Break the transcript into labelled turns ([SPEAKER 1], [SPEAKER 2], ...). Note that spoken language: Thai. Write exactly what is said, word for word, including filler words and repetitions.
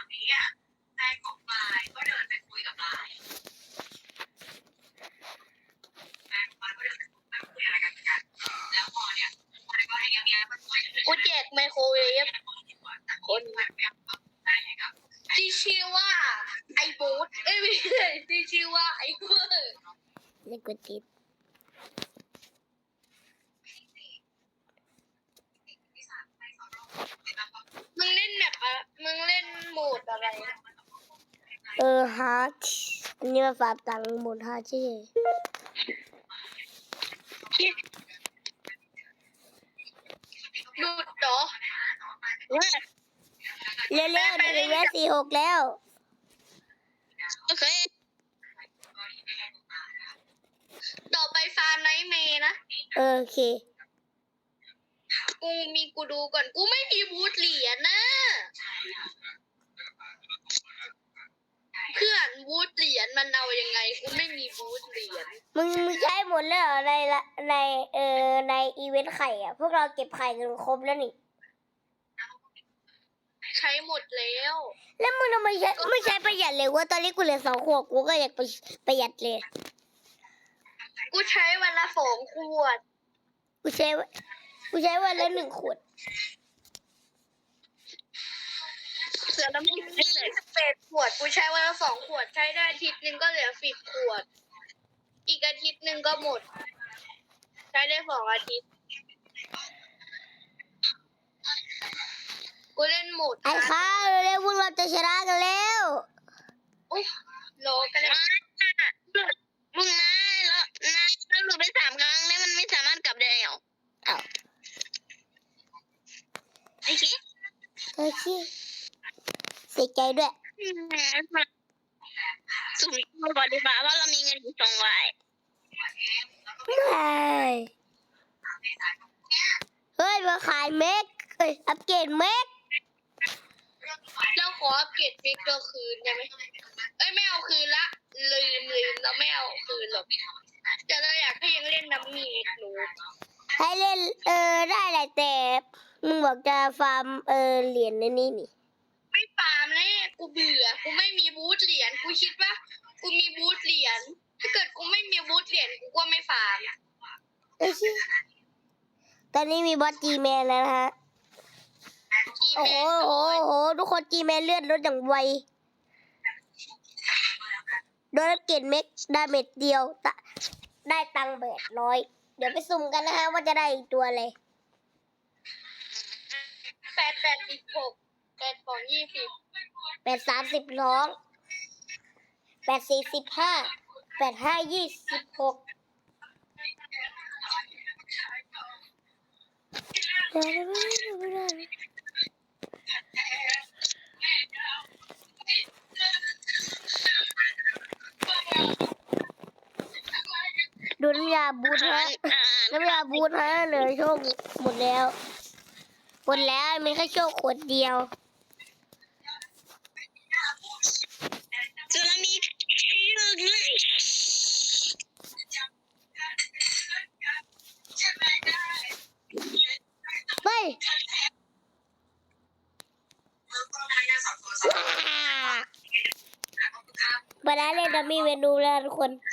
[SPEAKER 1] นี้อ่ะแฟนของปายก็เดินไปคุยกับปายแฟนของปายก็เดินไปคุยอะไรกันกันแล้วพอเนี่ยปายก็ให้ยังยังมันคุยกูแจกไมโครเวฟคนที่ชื่อว่าไอบูธเอ้ยไม่ใช่ที่ชื่อว่าไอเวอร์
[SPEAKER 2] เล่นกดติด
[SPEAKER 1] มึงเล่นแบบอะมึงเล่นโหมดอะไร
[SPEAKER 2] เออฮาร์ดอันนี้มาฝากตังค์หมดฮาร์ดใช่
[SPEAKER 1] หลุดเหรอ
[SPEAKER 2] เร็วๆเร็วๆเดี๋ยวเวสสี่หกแล้ว
[SPEAKER 1] โอเคต่อไปฟาร์มไนท์เมย์นะ
[SPEAKER 2] เออโอเค
[SPEAKER 1] กูมีกูดูก่อนกูไม่มีบูทเหรียญนะเพื่อนบูทเหรียญมันเอายังไงกูไม่มีบูทเหรียญ
[SPEAKER 2] มึงมึงใช้หมดแล้วเหรอในละในเออในอีเวนต์ไข่อ่ะพวกเราเก็บไข่กันครบแล้วนี่
[SPEAKER 1] ใช้หมดแล้ว
[SPEAKER 2] แล้วมึงทำไมใช้ไม่ใช้ประหยัดเลยว่าตอนนี้กูเหลือสองขวบกูก็อยากไปประหยัดเลย
[SPEAKER 1] กูใช้วันละสองขวด
[SPEAKER 2] กูใช้กูใช้วันละหนึ่งขวด
[SPEAKER 1] เสือน้ำมันได้เลยสิบแปดขวดกูใช้วันละสองขวดใช้ได้อาทิตย์หนึ่งก็เหลือสิบขวดอีกอาทิตย์หนึ่งก็หมดใช้ได้สองอาทิตย์กูเล่นหมด
[SPEAKER 2] ไอ้ข้าวเร็วพวกเราจะชนะกันแล้ว
[SPEAKER 1] อุ้ยโลกันเลยมึงนายแล้วนายถ้าหลุดไปสามครั้งเนี่ยมันไม่สามารถกลับได้หรออ้าวไอ้ขี้
[SPEAKER 2] ไอ้ขี้เสียใจด้วย
[SPEAKER 1] สุ่มมาก่อนดีกว่าว่าเรามีเงินอยู่สองร้อย
[SPEAKER 2] เฮ้ยมาขายเมกเอ้ยอัปเกรดเมก
[SPEAKER 1] เราขออัปเกรดฟิกเกอร์คืนได้ไหมเอ้ยไม่เอาคืนละลืมลืมเราไม่เอาคืนหรอกแต่เราอยากให้ยังเล่นน้ำมีหนู
[SPEAKER 2] ให้เล่นเออได้แหละแต่มึงบอกจะฟาร์มเออเหรียญในนี้นี่
[SPEAKER 1] ไม่ฟาร์มเลยกูเบื่อกูไม่มีบูทเหรียญกูคิดว่ากูมีบูทเหรียญถ้าเกิดกูไม่มีบูทเหรียญกูก็ไม่ฟาร์ม
[SPEAKER 2] เอ้ยตอนนี้มีบอสจีแมนแล้วนะฮะโอ้โหโอ้โหทุกคนจีแมนเลือดลดอย่างไวโดนเกตเม็กดาเมจเดียวได้ตังค์แปดร้อยเดี๋ยวไปสุ่มกันนะฮะว่าจะได้ตัวอะไร
[SPEAKER 1] แปดแปดสิบหกแปดสองยี่สิบ
[SPEAKER 2] แปดสามสิบร้องแปดสี่สิบห้าแปดห้ายี่สิบหกดูน้ำยาบูทฮะน้ำยาบูทฮะเหลือโชคหมดแล้วหมดแล้วมีแค่โชคขวดเดียว
[SPEAKER 1] จะมีชื่อเลย
[SPEAKER 2] ไปบานาเล่นดัมมี่เมนูแล้วทุกคน